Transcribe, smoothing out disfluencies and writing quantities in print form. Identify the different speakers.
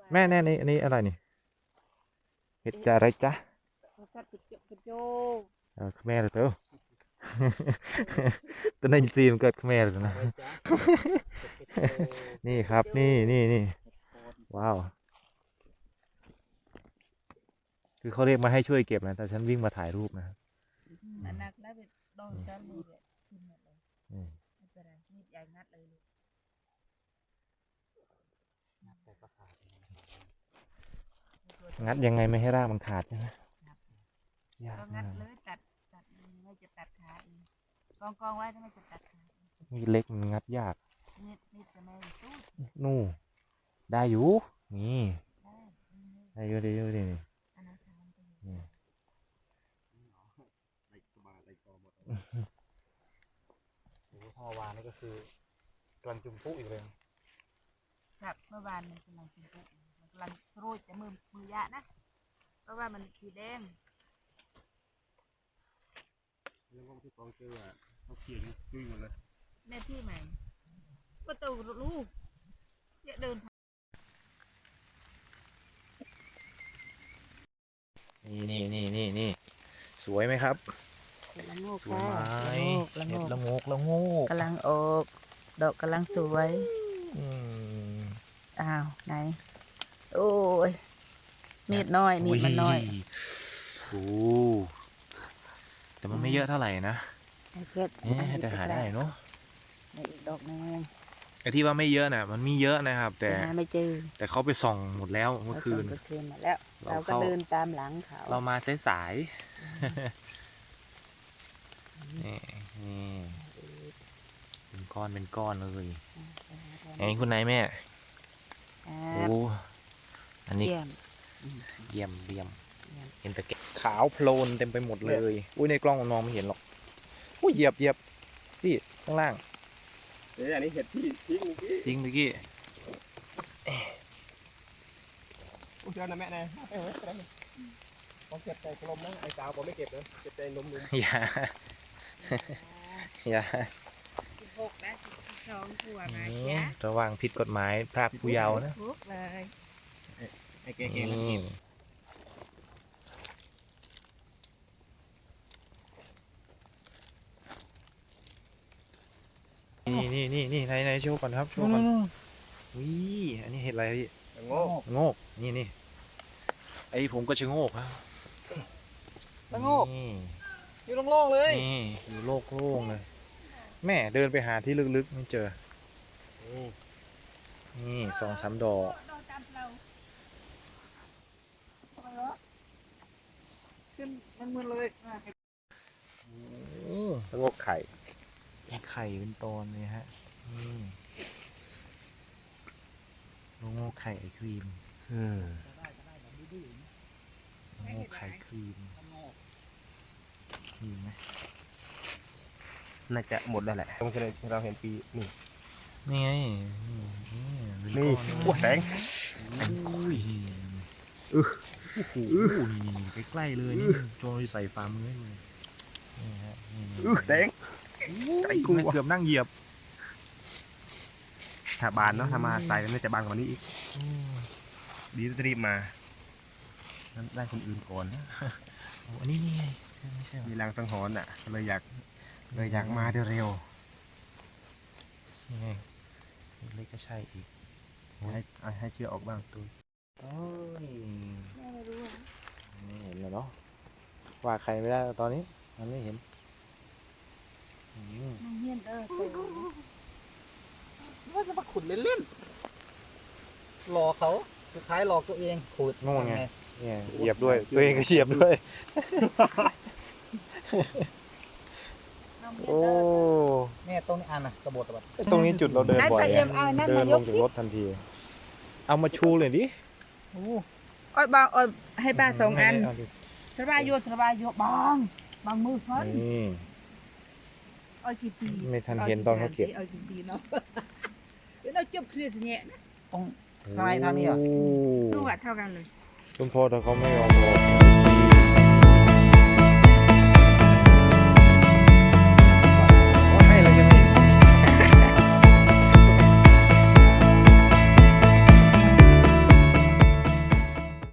Speaker 1: แม่แน่นี่อันนี้อะไรนี่เห็ดจะอะไรจ๊ะแม่เลยเต้อตัวนั้นซีมเกิดแม่เลยนะนี่ครับนี่ว้าวคือเขาเรียกมาให้ช่วยเก็บนะแต่ฉันวิ่งมาถ่ายรูปนะครับ
Speaker 2: อันนักแล้วไปโดนจานมือเลยขึ้นหมดเลยไม่เป็นไรมีดใหญ่งัดเลยลูก
Speaker 1: งัดยังไงไม่ให้รากมันขาดใช่ไหมยาก
Speaker 2: ก็งัดเลยตัดไม่จะตัดขาเองกองไว้ถ้าไม่จะตัดขา
Speaker 1: มีเล็กมันงัดยาก
Speaker 2: มีดจะไม่สู้
Speaker 1: นู่ได้อยู่นี่ได้อยู่ดีนี่
Speaker 2: อันนั้นทำไป
Speaker 1: นี่พ่อวานนี่ก็คือกำลังจุ่มปุ๊อีกเลย
Speaker 2: ครับเมื่อวานมันกำลังกินปุ๊กำลังโรยแต่มือยะนะเพราะว่ามันสีแดง
Speaker 3: เรื่องที่กองเจอเขาเขียนยุ่ยหมดเลย
Speaker 2: แม่ที่ใหม่ก็ตัวลูกเนี่ยเดิน
Speaker 1: นี่สวยไหมครับสวยไหมเห็ดละโงก
Speaker 2: กำลังออกดอกกำลังสวยอ้าวไหนโอ้ยมีดน้อยมีดมันน้อย
Speaker 1: โอ้แต่มันไม่เยอะเท่าไหร่นะแต่หาได้เนาะ
Speaker 2: อีกดอกนึง
Speaker 1: ไอ้ที่ว่าไม่เยอะน่ะมันมีเยอะนะครับแต่
Speaker 2: ไม่เจอ
Speaker 1: แต่เขาไปส่องหมดแล้วเมื่อคืน
Speaker 2: มาแล้วเราก็เดินตามหลังเขา
Speaker 1: เรามาสายนี่เป็นก้อนเลยไงคุณนายแม่โอ้อันนี้เยี่ยมเห็นแต่ขาวโพลนเต็มไปหมดเลยอุ้ยในกล้องมันมองไม่เห็นหรอกอุ้ยเหยียบพี่ข้างล่าง
Speaker 3: อันนี้เห็ดที่
Speaker 1: ทิ้งเมื่อกี้
Speaker 3: อุ้ยเจ้านะแม่นะผมเก็บใจกลมนะไอ้สาวผมไม่เก็บนะเก็บใจนม
Speaker 1: อย่า
Speaker 2: 16และ12ตัวนะ
Speaker 1: ระวังผิดกฎหมายพรากผู้เยาว์นะ
Speaker 2: เลย
Speaker 3: ไอ้เก๋ๆ
Speaker 1: นี่ไหนโชว์ก่อนครับโชว์ก่อนวิอันนี้เห็ดอะไรพี่โงกนี่ไอผมก็ชะโงกครับ
Speaker 3: โงกอยู่โล่งๆเลย
Speaker 1: นี่อยู่โล่งเลยแม่เดินไปหาที่ลึกๆไม่เจอนี่2-3 ดอก
Speaker 3: ขึ้นมันเลย
Speaker 1: โงกไข่เป็นตอนเลยฮะโงกไข่ไอครีมโงกไข่ครีมมีไหม
Speaker 3: น่าจะหมดแล้วแหละตรงที่เราเห็นปี
Speaker 1: นี่ไง
Speaker 3: นี่ว้าแสง
Speaker 1: นี่ใกล้ๆเลยนี่โจยใส่ฝ่ามือให้เลยนี่ฮะ
Speaker 3: แสง
Speaker 1: ไอ้กูเกือบนั่งเหยียบ
Speaker 3: ถ้าบานเนาะถ้ามาใส่น่าจะบานกว่านี้อีกดีรีบมาได้คนอื่นก่อนนะ
Speaker 1: อันนี้ไงไม่ใช่
Speaker 3: มีแรงสังหรณ์อ่ะเลยอยากมาเร็ว
Speaker 1: นี่ไงเล็กก็ใช่อีก
Speaker 3: ให้เชื่อออกบ้าง
Speaker 1: ตัวไม่เห็นเลยเนาะว่าใครไม่ได้ตอนนี้มันไม่เห็น
Speaker 3: ว่าจะมาขุดเล่นๆหลอกเขาสุดท้ายหลอกตัวเองขุด
Speaker 1: โง่ไงเนี่ยเหยียบด้วยตัวเองก็เหยียบด้วยโอ้
Speaker 3: เนี่ยตรงนี้อันน่ะกระโดด
Speaker 1: ตรงนี้จุดเราเดินบ่อยเดินลงจากรถทันทีเอามาชูเลยดิ
Speaker 2: อ้อยบางอ้อยให้ป้า2 อันสบายโยบางมือเขาอ้อยกี่ปี
Speaker 1: ไม่ทันเห็นตอนเขาเก็บ
Speaker 2: อ้อยกี่ปีเนาะเดี๋ยวเราจบเคลียร์สิเนี่ย
Speaker 3: ตรงทางไหนทางนี้อ่ะ
Speaker 2: ดูว่าเท่ากันเลย
Speaker 1: คุณพ่อถ้าเขาไม่ยอมรอ